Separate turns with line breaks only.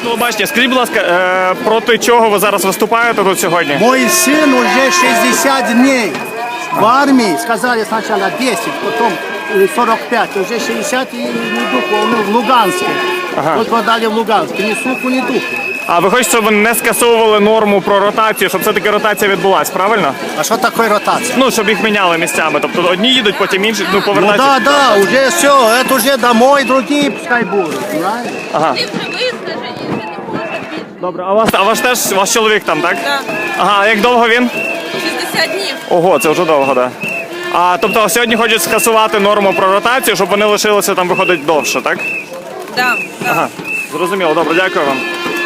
телебачення. Скажіть, будь ласка, проти чого ви зараз виступаєте тут сьогодні?
Мой сын уже 60 дней в армии. Сказали сначала 10, потом 45. Уже 60 и ни духу. Он в Луганске.
Ага.
Вот подали в Луганске. Ни слуху, ни духу.
А ви хочете, щоб ви не скасовували норму про ротацію, щоб все-таки ротація відбулась, правильно?
А что такое ротация?
Ну, щоб їх міняли місцями. Тобто одні їдуть, потім інші, ну,
Ну
повертаються.
да, уже все. Это уже домой, другие пускай будут. Правильно?
Ага.
Ти вже вискажені, вже не можна більше.
Добре, а ваш теж, ваш чоловік там, так?
Так.
Ага, а як довго він?
60 днів.
Ого, це вже довго, так. А тобто сьогодні хочуть скасувати норму про ротацію, щоб вони лишилися там, виходить, довше, так?
Так, так.
Ага, зрозуміло, добре, дякую вам.